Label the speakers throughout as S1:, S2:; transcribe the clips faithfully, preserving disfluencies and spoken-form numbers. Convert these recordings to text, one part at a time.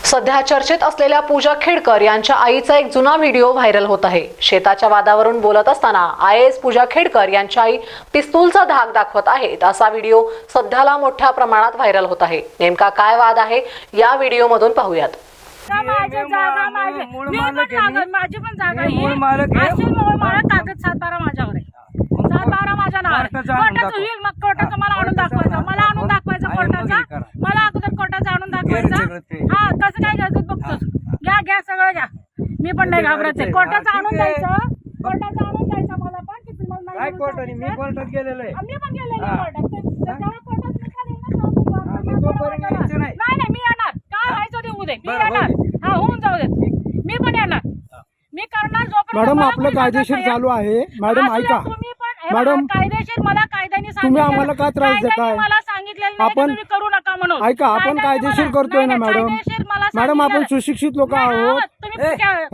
S1: सध्या चर्चेत असलेल्या पूजा खेडकर यांच्या आईचा एक जुना व्हिडिओ व्हायरल होत आहे। शेताच्या वादावरून बोलत असताना I A S Puja Khedkar यांच्या आई पिस्तूलचा धाक दाखवत आहेत असा व्हिडिओ सध्याला मोठ्या प्रमाणात व्हायरल होत आहे। नेमका काय वाद आहे या व्हिडिओ मधून पाहूयात।
S2: माझी जागा माझी मी पण जागा माझी पण जागा ही असेल मूळ मालक कागद सात बारा माझ्यावर आहे। सात बारा माझ्या नावावर कोर्टाचं होईल मग कोर्टाचं मला आणून दाखवायचं मला आणून दाखवायचं कोर्टाचा मला अगोदर कोर्टाचं आणून दाखवायचं। हा कसं काय घ्यायचं बघतोस घ्या घ्या सगळं घ्या मी पण नाही घाबरत आहे। कोर्टाचं आणून द्यायचं कोर्टाचं आणून द्यायचं मला पण की तुम्हाला नाही कोर्टाने मी कोर्टात गेलेलो आहे मी पण गेलेलो आहे कोर्टात जेव्हा कोर्टात निकाल येईल ना नाही नाही मी येणार काय व्हायचं ते उद्या मी येणार हा होऊन जाऊ दे मी पण येणार मी करणार जोपर्यंत
S3: मॅडम आपलं कायदेशीर चालू आहे। मॅडम ऐका
S2: मॅडम कायदेशीर मला कायद्याने
S3: तुम्ही आम्हाला का त्रास देताय?
S2: मला सांगितलेलं आपण तुम्ही करू नका म्हणून
S3: ऐका आपण कायदेशीर करतोय ना मॅडम मॅडम आपण सुशिक्षित लोक आहोत।
S2: तुम्ही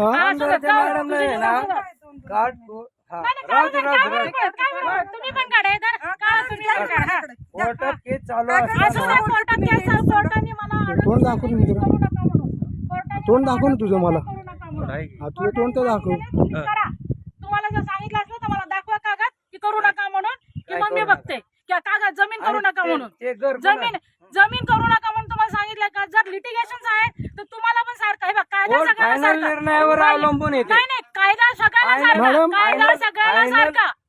S2: पण काढा
S3: कोर्टात केस चालू आहे। तोंड दाखव तोंड दाखव ना तुझं मला तुझं तोंड तर दाखव।
S2: तुम्हाला जर सांगितलं असलं तर मला दाखवा कागद की करू नका म्हणून की मग मी बघते की कागद जमीन करू नका म्हणून जमीन जमीन करू नका म्हणून तुम्हाला सांगितलं का। जर लिटिगेशन आहे तर तुम्हाला पण सारखं हे बघ कायदा सगळ्यांना
S3: निर्णयावर अवलंबून
S2: नाही नाही कायदा सगळ्याला सारखा कायदा सगळ्याला सारखा